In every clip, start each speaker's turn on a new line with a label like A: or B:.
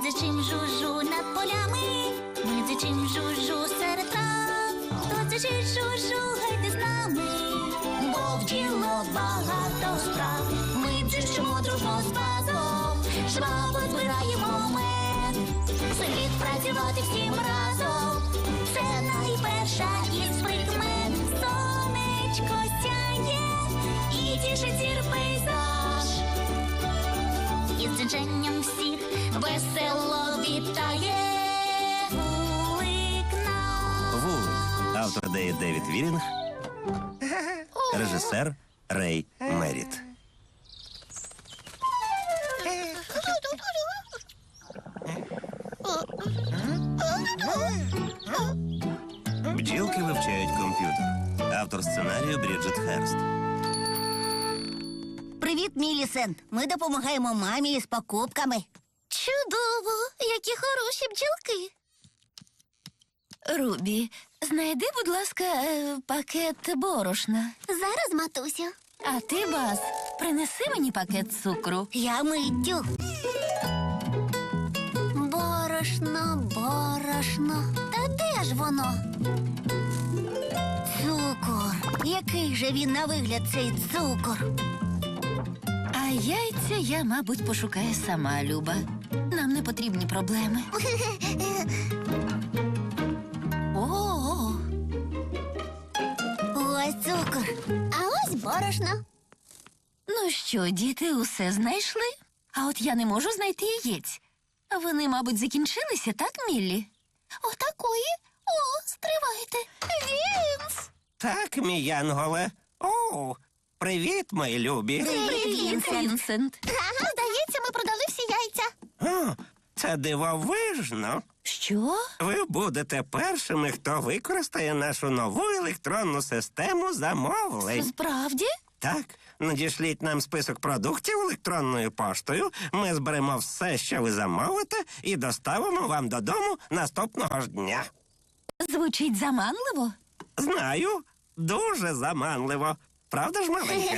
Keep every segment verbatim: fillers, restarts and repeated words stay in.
A: дзичим жужу над полями, ми дзичим жужу серед трав. Хто дзичить жужу, гайте з нами, бо в діло багато справ. Ми дзичимо дружно з базом, жваво збираємо мед. Слід працювати всім разом, це найперша із прикмет. Сонечко сяє і тішить зір пейзаж. Із дзиженням всіх весело вітає вулик наш.
B: Вулик. Автор ідеї Девід Вірінг. Режисер Рей Меріт. Бджілки вивчають комп'ютер. Автор сценарію Бріджит Херст.
C: Привіт, Мілісент. Ми допомагаємо мамі із покупками.
A: Чудово! Які хороші бджілки.
D: Рубі, знайди, будь ласка, е, пакет борошна.
A: Зараз, матусю.
D: А ти, Баз, принеси мені пакет цукру.
C: Я миттю.
A: Борошно, борошно. Та де ж воно?
C: Цукор. Який же він на вигляд, цей цукор?
D: А яйця я, мабуть, пошукаю сама, Люба. Нам не потрібні проблеми. О,
C: Ось цукор.
A: А ось борошно.
D: ну що, діти, усе знайшли? А от я не можу знайти яєць. Вони, мабуть, закінчилися, так, Міллі?
A: Отакої. О, стривайте. Вінс!
B: Так, мій Янголе. О, привіт, мої любі.
D: Привіт, Вінсент.
A: Ага, здається, ми продали всі яйця.
B: О, це дивовижно.
D: Що?
B: Ви будете першими, хто використає нашу нову електронну систему замовлень.
D: Справді?
B: Так, надішліть нам список продуктів електронною поштою. Ми зберемо все, що ви замовите, і доставимо вам додому наступного ж дня.
D: Звучить заманливо.
B: Знаю, дуже заманливо. Правда ж, маленька?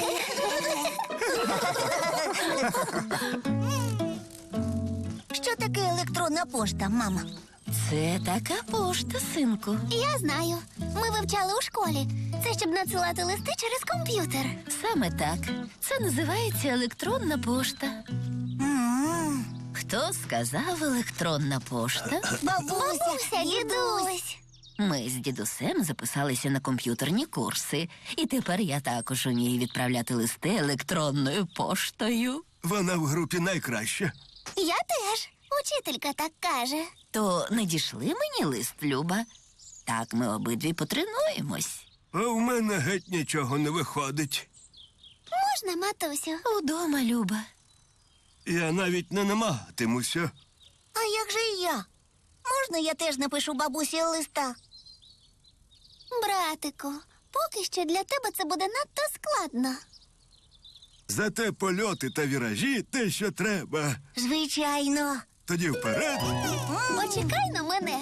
C: Що таке електронна пошта, мама?
D: Це така пошта, синку.
A: Я знаю. Ми вивчали у школі. Це щоб надсилати листи через комп'ютер.
D: Саме так. Це називається електронна пошта.
C: М.
D: Хто сказав електронна пошта?
C: Бабуся,
A: дідусь.
D: Ми з дідусем записалися на комп'ютерні курси. І тепер я також умію відправляти листи електронною поштою.
E: Вона в групі найкраща.
A: Я теж. Учителька так каже.
D: То надішли мені лист, Люба. Так ми обидві потренуємось.
E: А в мене геть нічого не виходить.
A: Можна, матусю?
D: Удома, Люба.
E: Я навіть не намагатимуся.
C: А як же я? Можна я теж напишу бабусі листа?
A: Братику, поки що для тебе це буде надто складно.
E: Зате польоти та віражі те, що треба.
C: Звичайно.
E: Тоді вперед.
A: Почекай на мене.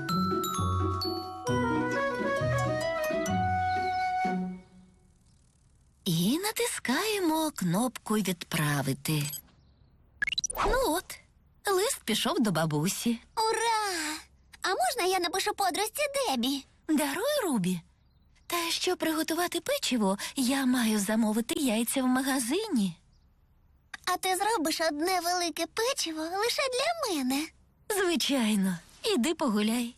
D: І натискаємо кнопку «Відправити». Ну от, лист пішов до бабусі.
A: Ура! А можна я напишу подружці Дебі?
D: Даруй, Рубі. Та щоб приготувати печиво, я маю замовити яйця в магазині.
A: А ти зробиш одне велике печиво лише для мене.
D: Звичайно. Іди погуляй.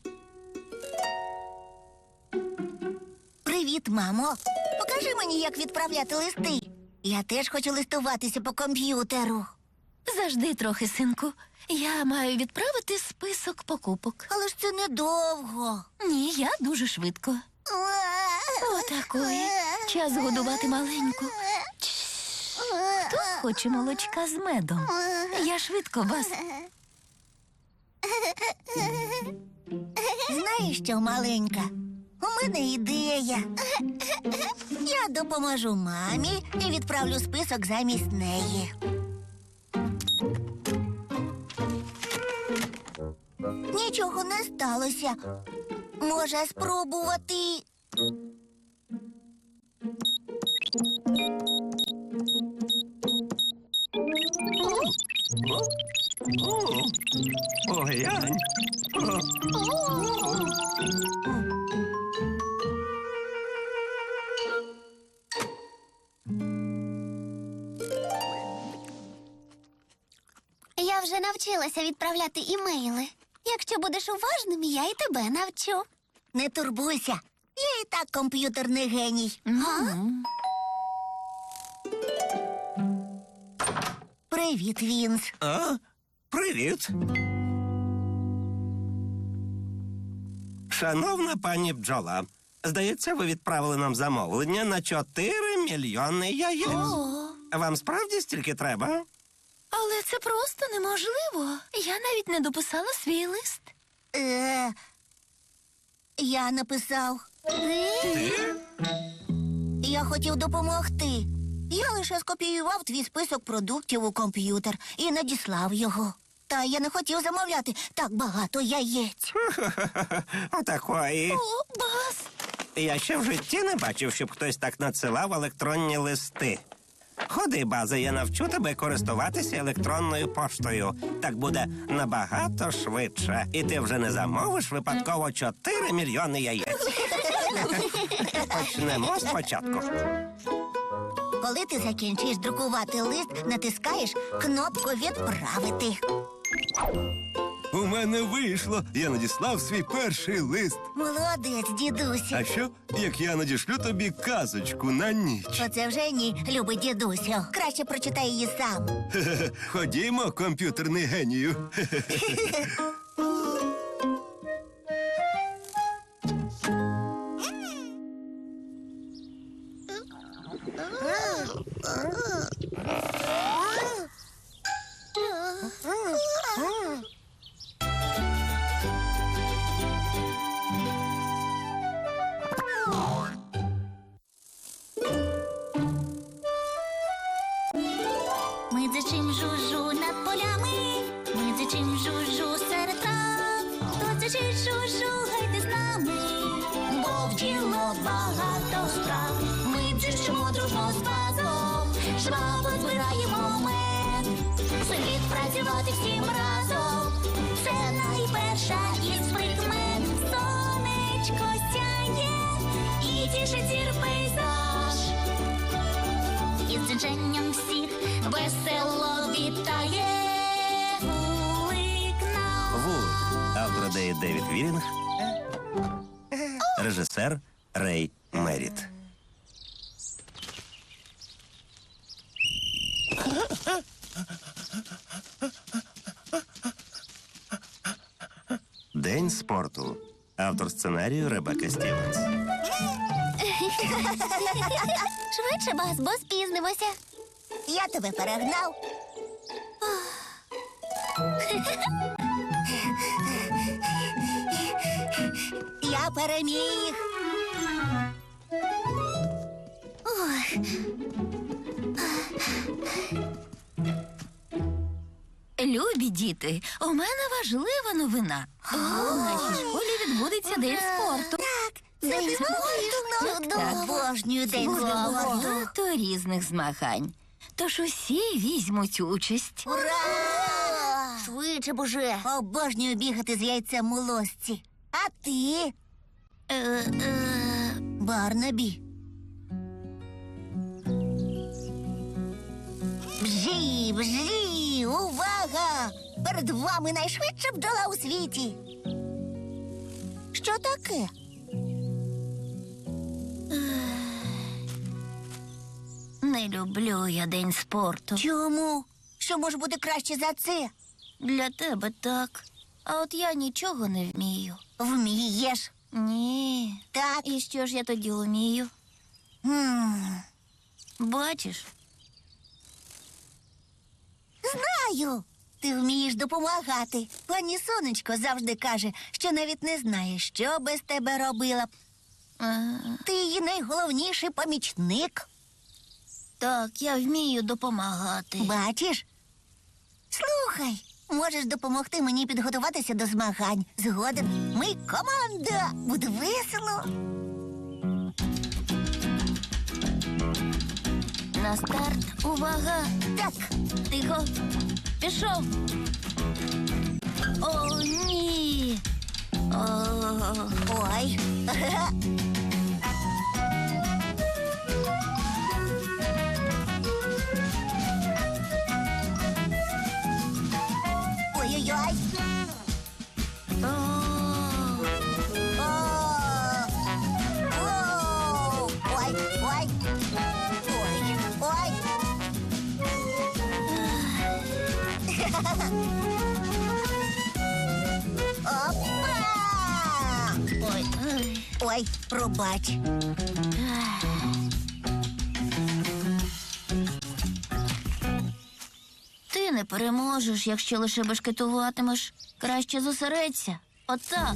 C: Привіт, мамо. Покажи мені, як відправляти листи. Я теж хочу листуватися по комп'ютеру.
D: Завжди трохи, синку. Я маю відправити список покупок.
C: Але ж це недовго.
D: Ні, я дуже швидко. Отакої. Час годувати маленьку. Хто хоче молочка з медом? Я швидко, Бас.
C: Знаєш що, маленька? У мене ідея. Я допоможу мамі і відправлю список замість неї. Нічого не сталося. Може спробувати.
B: Поглянь. О.
A: Я вже навчилася відправляти імейли. Якщо будеш уважним, я і тебе навчу.
C: Не турбуйся. Я і так комп'ютерний геній. Привіт, Вінс.
B: А? Привіт. Шановна пані бджола, здається, ви відправили нам замовлення на чотири мільйони яєць.
D: О,
B: Вам справді стільки треба?
D: але це просто неможливо. Я навіть не дописала свій лист.
C: Е, я написав.
B: Ти?
C: Я хотів допомогти. Я лише скопіював твій список продуктів у комп'ютер і надіслав його. Та я не хотів замовляти так багато яєць.
B: Отакої.
D: О, Бас!
B: Я ще в житті не бачив, щоб хтось так надсилав електронні листи. Ходи, база, я навчу тебе користуватися електронною поштою. Так буде набагато швидше. І ти вже не замовиш випадково чотири мільйони яєць. Почнемо спочатку.
C: Коли ти закінчиш друкувати лист, натискаєш кнопку «Відправити».
E: У мене вийшло. Я надіслав свій перший лист.
C: Молодець, дідусю.
E: А що, як я надішлю тобі казочку на ніч?
C: Оце вже ні, любий дідусю. Краще прочитай її сам.
E: Хе-хе. Ходімо, комп'ютерний генію.
A: Ми дзичим жужу над полями, ми дзичим жужу серед трав. Хто дзичить жужу, гайте з нами, бо в діло багато справ. Ми дзичимо дружно з базом, жваво збираємо мед. Слід працювати всім разом, це найперша із прикмет. Сонечко сяє і тішить зір пейзаж. Із дзиженням всіх весело вітає вулик нам.
B: Вулик. Автор ідеї Девід Вірінг. Режисер Рей Меріт. День спорту. Автор сценарію Ребекка Стівенс.
A: Швидше, Бас, бо спізнимося.
C: Я тебе перегнав. Я переміг.
D: Любі діти, у мене важлива новина. У нашій школі відбудеться день спорту.
C: День спорту. Обожнюю день спорту.
D: Багато різних змагань. Тож усі візьмуть участь.
C: Ура! Швидше б уже. Обожнюю бігати з яйцем у лосці. А ти? Е-е... Барнабі. Бжі, бжі, увага! Перед вами найшвидша бджола у світі. Що таке?
D: Не люблю я день спорту.
C: Чому? Що може бути краще за це?
D: Для тебе так. А от я нічого не вмію.
C: Вмієш.
D: Ні.
C: Так.
D: І що ж я тоді вмію?
C: М,
D: Бачиш?
C: Знаю. Ти вмієш допомагати. Пані Сонечко завжди каже, що навіть не знає, що без тебе робила б.
D: Е,
C: Ти її найголовніший помічник.
D: Так, я вмію допомагати.
C: Бачиш? Слухай, можеш допомогти мені підготуватися до змагань. Згоден, ми команда. Буде весело.
D: На старт, увага!
C: Так,
D: Тихо. Пішов.
C: О, ні. О, ой. Ой-ой-ой. О, о, о. Ой, ой. Ой, ой. Опа! Ой, ой, пробач. Ти не переможеш, якщо лише бешкетуватимеш. Краще зосередься. Отак.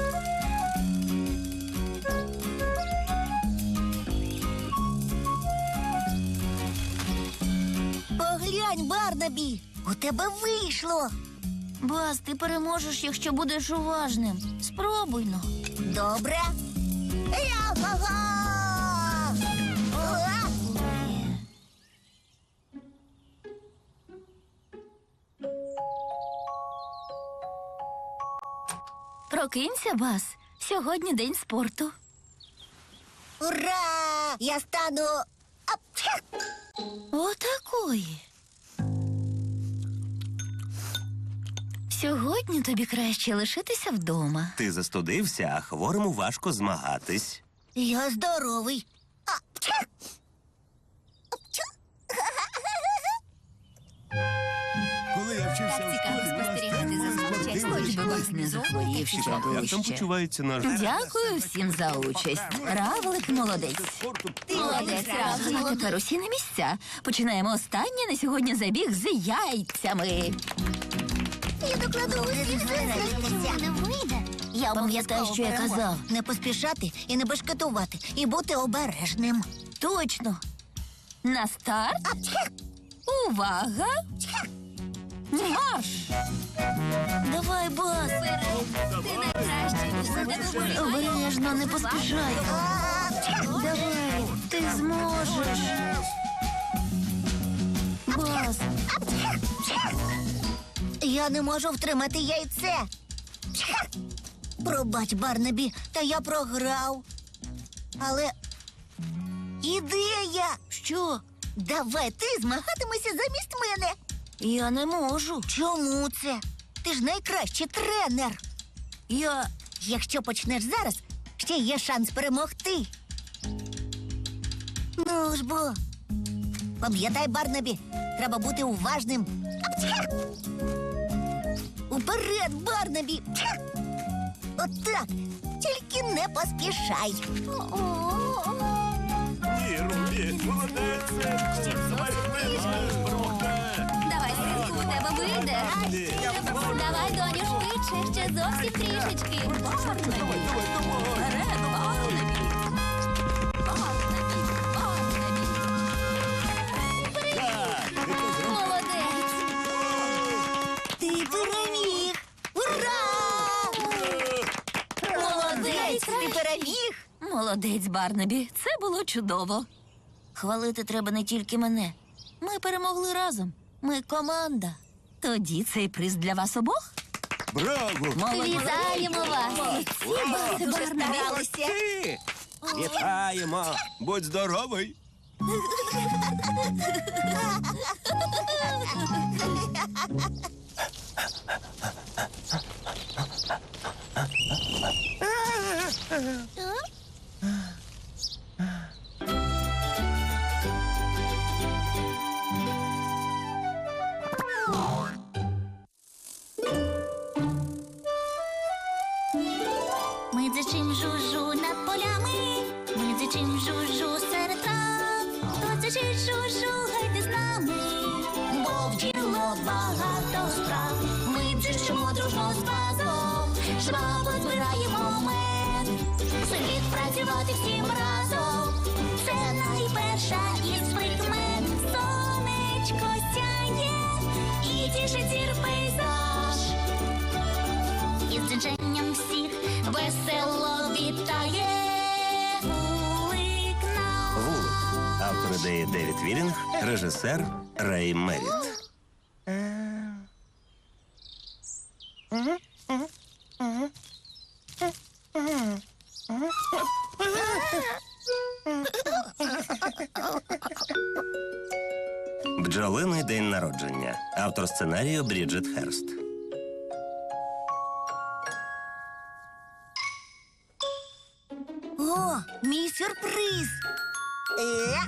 C: Поглянь, Барнабі, у тебе вийшло. Бас, ти переможеш, якщо будеш уважним. Спробуй но. Добре. Я-га-га! Уа!
D: Прокинься, Бас. Сьогодні день спорту.
C: Ура! Я стану. Апчхак!
D: Отакої. Сьогодні тобі краще лишитися вдома.
B: Ти застудився, а хворому важко змагатись.
C: Я здоровий. Апчхак! Апчхак!
E: Коли я вчився
D: Так
E: у
D: цікаво
E: школі,
D: спостерігати за самочесним. Хоч би вас не захворів ще дужче.
B: почувається наш...
D: Дякую всім за участь. Равлик молодець. Молодець, Равлик. А тепер усі на місця. Починаємо останнє на сьогодні забіг з яйцями.
C: Я докладу усіх не вийде. Я пам'ятаю, що я казав. Не поспішати і не бешкетувати, і бути обережним.
D: Точно. На старт.
C: Апчхак!
D: Увага! Марш!
C: Давай, Бас.
D: Ти найкращий.
C: Обережно, не поспішай. Давай, ти зможеш. Бас. Я не можу втримати яйце. Пробач, Барнабі, та я програв. Але ідея! Що? Давай ти змагатимешся замість мене. Я не можу. Чому це? Ти ж найкращий тренер. Я. Якщо почнеш зараз, ще є шанс перемогти. Ну ж бо. Пам'ятай, Барнабі, треба бути уважним. Апчхак! Уперед, Барнабі! Пчхак! Отак. Тільки не поспішай.
E: Ні, Рубі, молодець.
D: Давай, синку, у тебе вийде. Давай, доню, швидше, ще зовсім трішечки. Барнабі. Вперед, Барнабі. Барнабі, Барнабі. Молодець.
C: Ти переміг! Ура! Молодець, ти переміг!
D: Молодець, Барнабі. Це було чудово.
C: Хвалити треба не тільки мене. Ми перемогли разом. Ми команда.
D: Тоді цей приз для вас обох.
E: Браво!
D: Вітаємо вас!
C: Ми дуже старалися.
B: Ти! Вітаємо!
E: Будь здоровий.
A: Ми дзичим жужу над полями, ми дзичим жужу серед трав. Хто дзичить жужу, гайте з нами, бо в діло багато справ. Ми дзичимо дружно з базом, жваво збираємо мед. Слід працювати всім разом, це найперша із прикмет. Сонечко сяє і тішить зір пейзаж. Із дзиженням всіх весело вітає вулик наш.
B: Вулик. Автор ідеї Девід Вілінг, режисер Рей Меріт. Бджолиний день народження. Автор сценарію Бріджит Херст.
C: О, мій сюрприз. Е.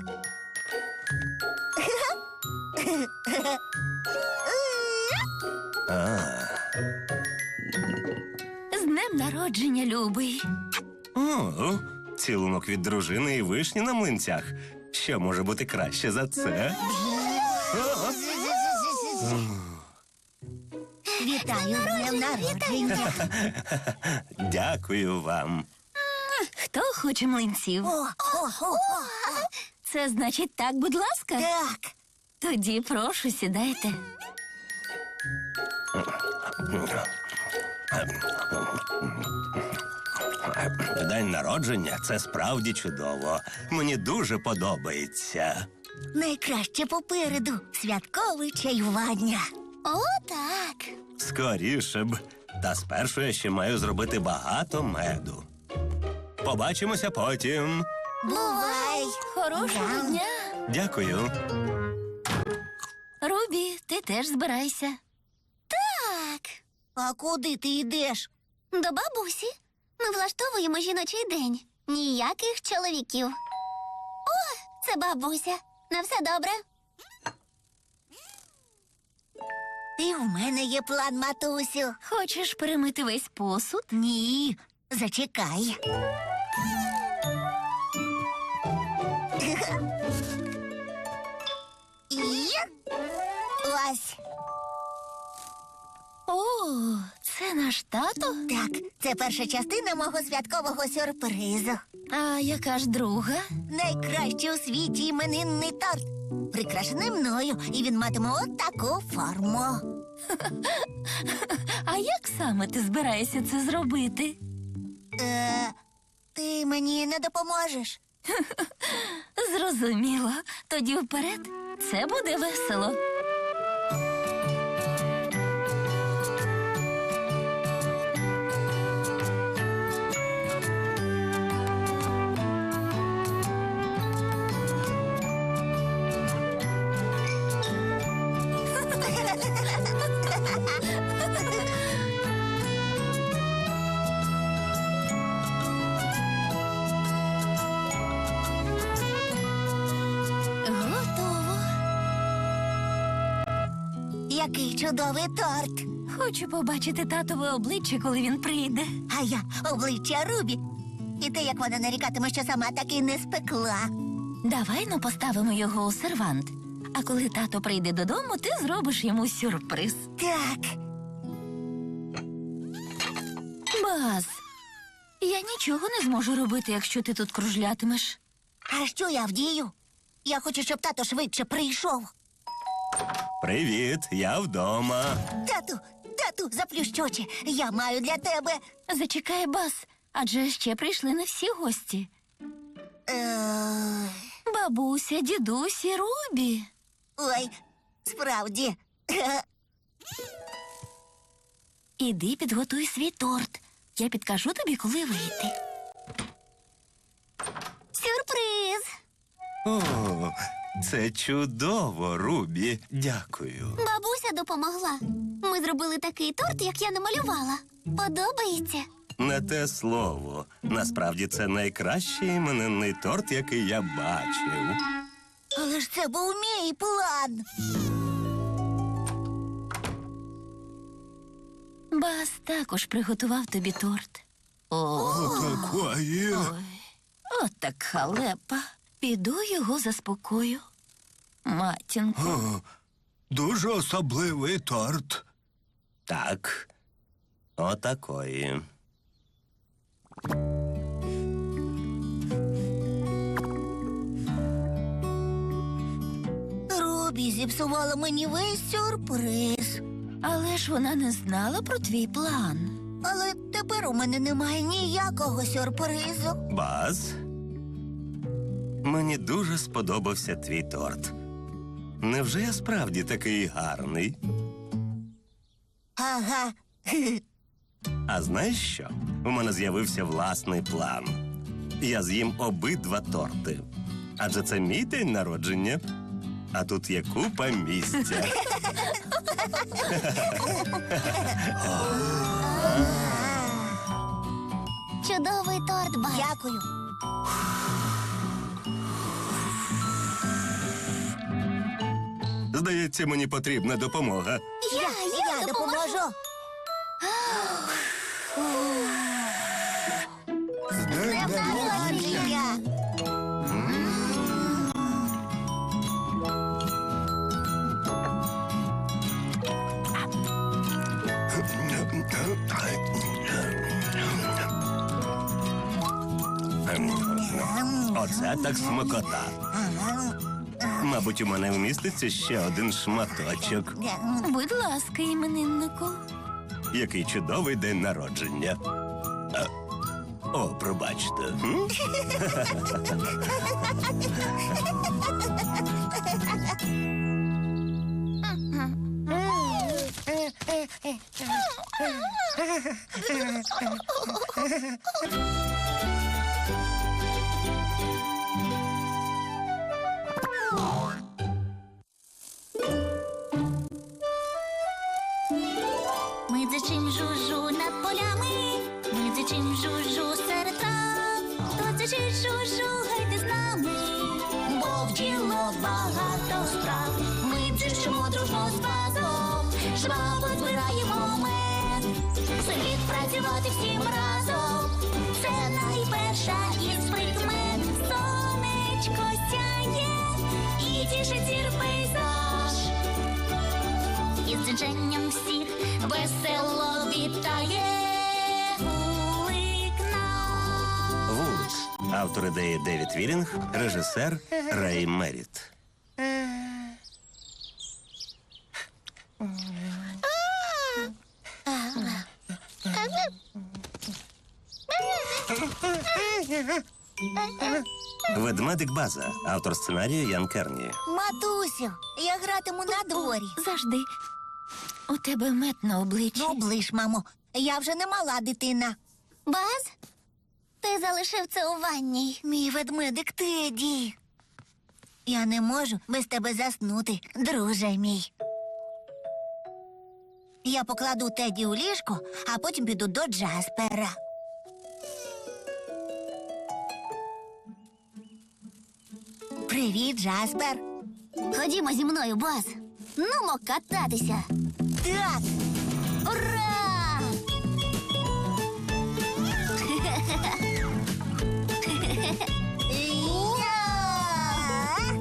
B: А,
D: З днем народження, любий.
B: о, цілунок від дружини і вишні на млинцях. Що може бути краще за це?
C: Вітаю з днем народження.
B: Дякую вам.
D: Хто хоче млинців?
C: О, о, о, о.
D: Це значить так, будь ласка.
C: Так.
D: Тоді прошу, сідайте.
B: День народження – це справді чудово. Мені дуже подобається.
C: Найкраще попереду святкове чаювання.
A: О, так.
B: Скоріше б. Та спершу я ще маю зробити багато меду. Побачимося потім.
C: Бувай!
D: Хорошого
C: Да.
D: дня.
B: Дякую.
D: Рубі, ти теж збирайся.
A: Так.
C: А куди ти йдеш?
A: До бабусі. Ми влаштовуємо жіночий день. Ніяких чоловіків. О, це бабуся. На все добре?
C: І в мене є план, матусю.
D: Хочеш перемити весь посуд?
C: Ні, зачекай. І ось.
D: О, це наш тато?
C: Так, це перша частина мого святкового сюрпризу.
D: А яка ж друга?
C: Найкращий у світі іменинний торт. Прикрашений мною, і він матиме от таку форму.
D: А як саме ти збираєшся це зробити?
C: Е, ти мені не допоможеш?
D: Зрозуміло. Тоді вперед. Це буде весело. Готово.
C: Який чудовий торт.
D: Хочу побачити татове обличчя, коли він прийде.
C: А я обличчя Рубі. І те, як вона нарікатиме, що сама так і не спекла.
D: Давай ну поставимо його у сервант. А коли тато прийде додому, ти зробиш йому сюрприз.
C: Так.
D: Баз, я нічого не зможу робити, якщо ти тут кружлятимеш.
C: А що я вдію? Я хочу, щоб тато швидше прийшов.
B: Привіт, я вдома.
C: Тату, тату, заплющ очі. Я маю для тебе.
D: Зачекай, Баз, адже ще прийшли не всі гості.
C: Е...
D: Бабуся, дідусь і Рубі.
C: Ой, справді.
D: Іди підготуй свій торт. Я підкажу тобі, коли вийти.
A: Сюрприз!
B: О, це чудово, Рубі. Дякую.
A: Бабуся допомогла. Ми зробили такий торт, як я намалювала. Подобається?
B: Не те слово. Насправді це найкращий іменинний торт, який я бачив.
C: Але ж це був мій план.
D: Баз також приготував тобі торт. О,
E: Такої.
D: ой, от так халепа. Піду його заспокою. Матінко.
E: О, дуже особливий торт.
B: Так, отакої.
C: Рубі зіпсувала мені весь сюрприз.
D: Але ж вона не знала про твій план.
C: Але тепер у мене немає ніякого сюрпризу.
B: Баз, мені дуже сподобався твій торт. Невже я справді такий гарний?
C: Ага,
F: А знаєш що? У мене з'явився власний план. Я з'їм обидва торти. Адже це мій день народження. А тут є купа місця.
A: Чудовий торт, Баз.
C: Дякую.
F: Здається, мені потрібна допомога.
C: Я, я допоможу. З днем народження!
F: Оце так смакота. Мабуть, у мене вміститься ще один шматочок.
D: Будь ласка, імениннику.
F: Який чудовий день народження. А, О, пробачте. м?
A: Ми дзичим жужу над полями, ми дзичим жужу серед трав. Хто дзичить жужу, гайте з нами, бо в діло багато справ. Ми дзичимо дружно з базом, жваво збираємо мед. Слід працювати всім разом, це найперша із прикмет. Сонечко сяє і тішить зір пейзаж. Із дзиженням всіх весело вітає вулик наш.
F: Вулик. Автор ідеї Девід Вілінг, режисер Рей Меріт. Ведмедик База. Автор сценарію Ян Керні.
C: Матусю, я гратиму на дворі.
D: Завжди. У тебе мед на обличчі.
C: Ну, оближ, мамо, я вже не мала дитина.
A: Баз, ти залишив це у ванній.
C: Мій ведмедик Теді. Я не можу без тебе заснути, друже мій. Я покладу Теді у ліжко, а потім піду до Джаспера. Привіт, Джаспер.
A: Ходімо зі мною, Баз. Нумо кататися.
C: Так,
A: Ура!
C: я.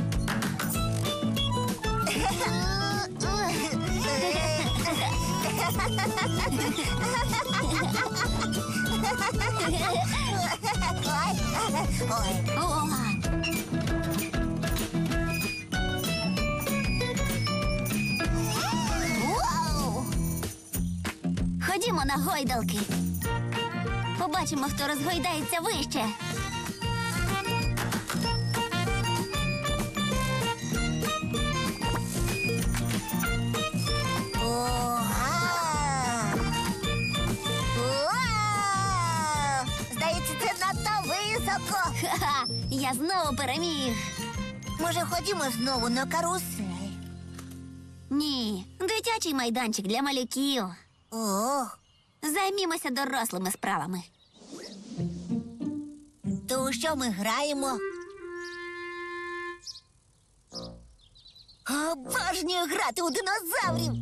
C: Ой,
A: О! Вау! Ходімо на гойдалки. Побачимо, хто розгойдається вище.
C: Уа! Уа! Здається, це надто високо.
A: Ха-ха! Я знову переміг.
C: Може, ходімо знову на карусель?
A: Ні, дитячий майданчик для малюків.
C: Ох,
A: Займімося дорослими справами.
C: то у що ми граємо? Обожнюю грати у динозаврів.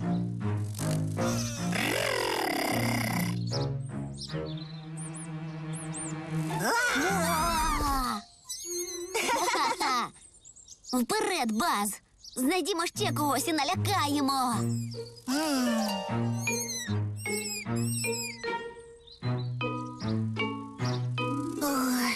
A: А! Ха-ха-ха! Вперед, Баз! Знайдімо ще когось і налякаємо.
C: Ой.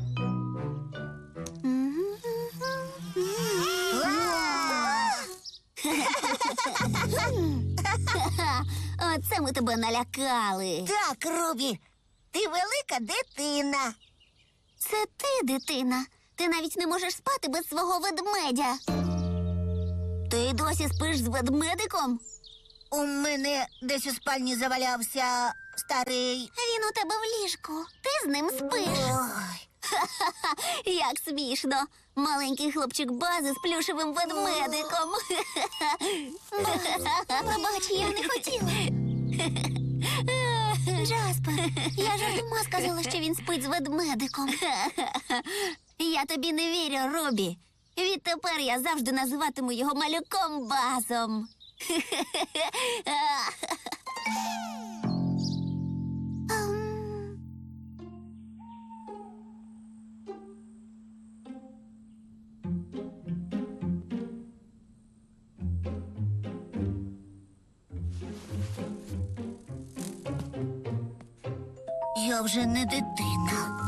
A: Ха-ха! Оце ми тебе налякали.
C: Так, Рубі, ти велика дитина.
A: Це ти, дитина. Ти навіть не можеш спати без свого ведмедя. Ти досі спиш з ведмедиком?
C: У мене десь у спальні завалявся старий.
A: Він у тебе в ліжку. Ти з ним спиш.
C: Ой.
A: Як смішно. Маленький хлопчик Бази з плюшевим ведмедиком. Пробач, я не хотіла. Джаспер, я жартома сказала, що він спить з ведмедиком. Я тобі не вірю, Рубі. Відтепер я завжди називатиму його малюком Базом.
C: Я вже не дитина.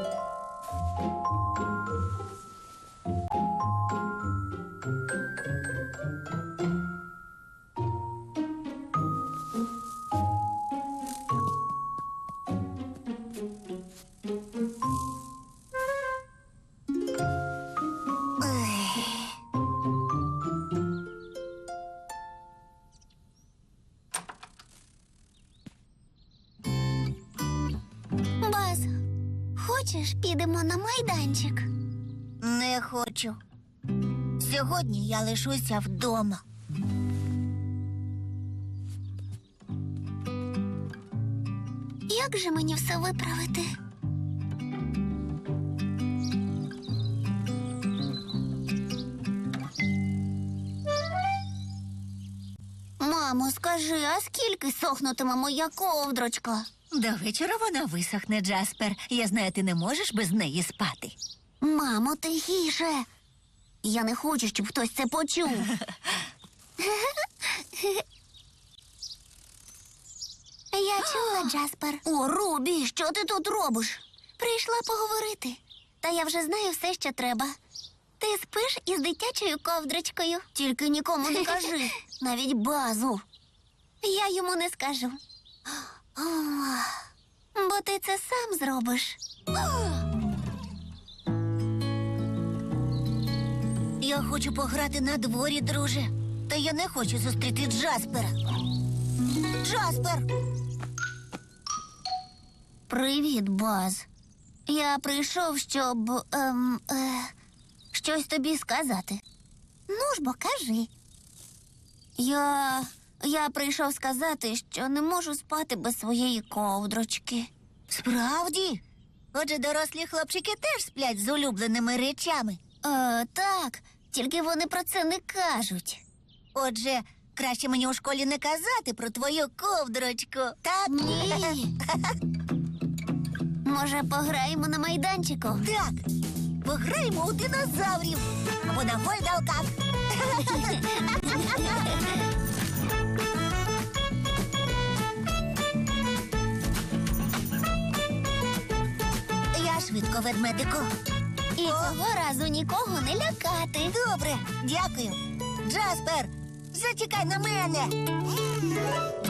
A: Баз, хочеш, підемо на майданчик?
C: Не хочу. Сьогодні я лишуся вдома.
A: Як же мені все виправити? Мамо, скажи, а скільки сохнутиме моя ковдрочка?
D: До вечора вона висохне, Джаспер. Я знаю, ти не можеш без неї спати.
A: Мамо, тихіше. Я не хочу, щоб хтось це почув. Я чула, Джаспер. О, Рубі, що ти тут робиш? Прийшла поговорити. Та я вже знаю все, що треба. Ти спиш із дитячою ковдрочкою. Тільки нікому не кажи, навіть Базу. Я йому не скажу. О, бо ти це сам зробиш.
C: Я хочу пограти на дворі, друже. Та я не хочу зустріти Джаспера. Джаспер!
A: Привіт, Баз. Я прийшов, щоб ем, е, щось тобі сказати. Ну ж бо кажи. Я. Я прийшов сказати, що не можу спати без своєї ковдрочки.
C: Справді? Отже, дорослі хлопчики теж сплять з улюбленими речами.
A: Е, так, тільки вони про це не кажуть.
C: Отже, краще мені у школі не казати про твою ковдрочку. Так?
A: Ні. Може, пограємо на майданчику?
C: Так. Пограємо у динозаврів. Або на гойдалках. Я швидко, ведмедику.
A: І цього разу нікого не лякати.
C: Добре, дякую. Джаспер, зачекай на мене.